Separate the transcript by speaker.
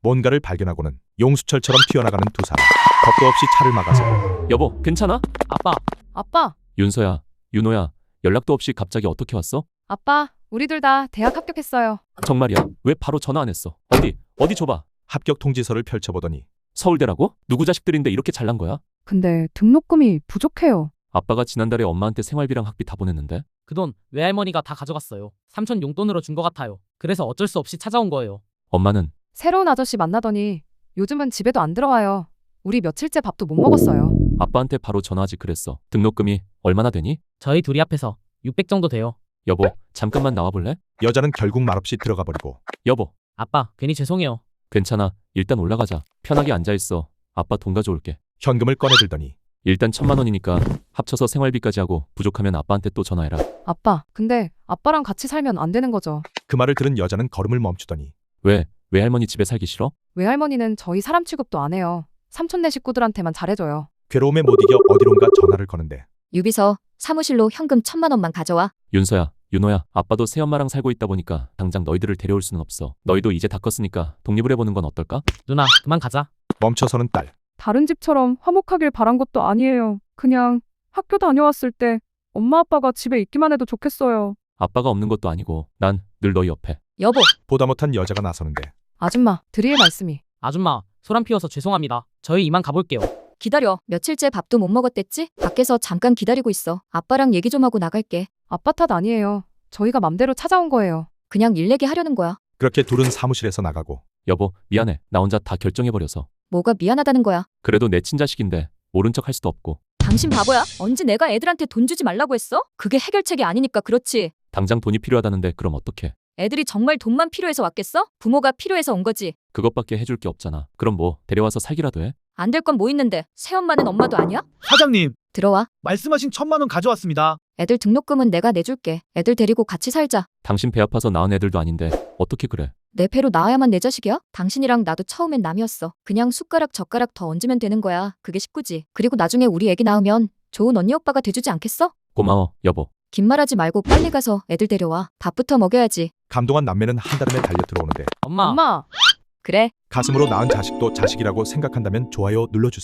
Speaker 1: 뭔가를 발견하고는 용수철처럼 튀어나가는 두 사람. 겁도 없이 차를 막아서
Speaker 2: 여보, 괜찮아?
Speaker 3: 아빠,
Speaker 2: 윤서야, 윤호야, 연락도 없이 갑자기 어떻게 왔어?
Speaker 3: 아빠, 우리 둘 다 대학 합격했어요.
Speaker 2: 정말이야? 왜 바로 전화 안 했어? 어디 줘봐.
Speaker 1: 합격 통지서를 펼쳐보더니
Speaker 2: 서울대라고? 누구 자식들인데 이렇게 잘난 거야?
Speaker 3: 근데 등록금이 부족해요.
Speaker 2: 아빠가 지난달에 엄마한테 생활비랑 학비 다 보냈는데?
Speaker 4: 그 돈 외할머니가 다 가져갔어요. 삼촌 용돈으로 준 것 같아요. 그래서 어쩔 수 없이 찾아온 거예요.
Speaker 2: 엄마는
Speaker 3: 새로운 아저씨 만나더니 요즘은 집에도 안 들어와요. 우리 며칠째 밥도 못 먹었어요.
Speaker 2: 아빠한테 바로 전화하지 그랬어. 등록금이 얼마나 되니?
Speaker 4: 저희 둘이 합해서 600 정도 돼요.
Speaker 2: 여보, 잠깐만 나와볼래?
Speaker 1: 여자는 결국 말없이 들어가 버리고
Speaker 2: 여보,
Speaker 4: 아빠, 괜히 죄송해요.
Speaker 2: 괜찮아. 일단 올라가자. 편하게 앉아있어. 아빠 돈 가져올게.
Speaker 1: 현금을 꺼내들더니
Speaker 2: 일단 1,000만 원이니까 합쳐서 생활비까지 하고 부족하면 아빠한테 또 전화해라.
Speaker 3: 아빠, 근데 아빠랑 같이 살면 안 되는 거죠.
Speaker 1: 그 말을 들은 여자는 걸음을 멈추더니
Speaker 2: 왜? 외할머니 집에 살기 싫어?
Speaker 3: 외할머니는 저희 사람 취급도 안 해요. 삼촌네 식구들한테만 잘해줘요.
Speaker 1: 괴로움에 못 이겨 어디론가 전화를 거는데
Speaker 5: 유비서 사무실로 현금 1,000만 원만 가져와.
Speaker 2: 윤서야, 윤호야, 아빠도 새엄마랑 살고 있다 보니까 당장 너희들을 데려올 수는 없어. 너희도 이제 다 컸으니까 독립을 해보는 건 어떨까?
Speaker 4: 누나, 그만 가자.
Speaker 1: 멈춰서는 딸.
Speaker 3: 다른 집처럼 화목하길 바란 것도 아니에요. 그냥 학교 다녀왔을 때 엄마 아빠가 집에 있기만 해도 좋겠어요.
Speaker 2: 아빠가 없는 것도 아니고 난 늘 너희 옆에.
Speaker 5: 여보,
Speaker 1: 보다 못한 여자가 나서는데
Speaker 3: 아줌마, 드릴 말씀이.
Speaker 4: 아줌마, 소란 피워서 죄송합니다. 저희 이만 가볼게요.
Speaker 5: 기다려. 며칠째 밥도 못 먹었댔지? 밖에서 잠깐 기다리고 있어. 아빠랑 얘기 좀 하고 나갈게.
Speaker 3: 아빠 탓 아니에요. 저희가 맘대로 찾아온 거예요.
Speaker 5: 그냥 일 얘기 하려는 거야.
Speaker 1: 그렇게 둘은 사무실에서 나가고
Speaker 2: 여보, 미안해. 나 혼자 다 결정해버려서.
Speaker 5: 뭐가 미안하다는 거야?
Speaker 2: 그래도 내 친자식인데 모른 척 할 수도 없고.
Speaker 5: 당신 바보야? 언제 내가 애들한테 돈 주지 말라고 했어? 그게 해결책이 아니니까 그렇지.
Speaker 2: 당장 돈이 필요하다는데 그럼 어떡해?
Speaker 5: 애들이 정말 돈만 필요해서 왔겠어? 부모가 필요해서 온 거지.
Speaker 2: 그것밖에 해줄 게 없잖아. 그럼 뭐 데려와서 살기라도 해?
Speaker 5: 안 될 건 뭐 있는데. 새엄마는 엄마도 아니야?
Speaker 6: 사장님,
Speaker 5: 들어와.
Speaker 6: 말씀하신 1,000만 원 가져왔습니다.
Speaker 5: 애들 등록금은 내가 내줄게. 애들 데리고 같이 살자.
Speaker 2: 당신 배 아파서 낳은 애들도 아닌데 어떻게 그래?
Speaker 5: 내 배로 낳아야만 내 자식이야? 당신이랑 나도 처음엔 남이었어. 그냥 숟가락 젓가락 더 얹으면 되는 거야. 그게 쉽구지. 그리고 나중에 우리 애기 낳으면 좋은 언니 오빠가 돼주지 않겠어?
Speaker 2: 고마워, 여보.
Speaker 5: 긴 말하지 말고 빨리 가서 애들 데려와. 밥부터 먹여야지.
Speaker 1: 감동한 남매는 한 달음에 달려 들어오는데
Speaker 4: 엄마.
Speaker 3: 엄마!
Speaker 5: 그래.
Speaker 1: 가슴으로 낳은 자식도 자식이라고 생각한다면 좋아요 눌러주세요.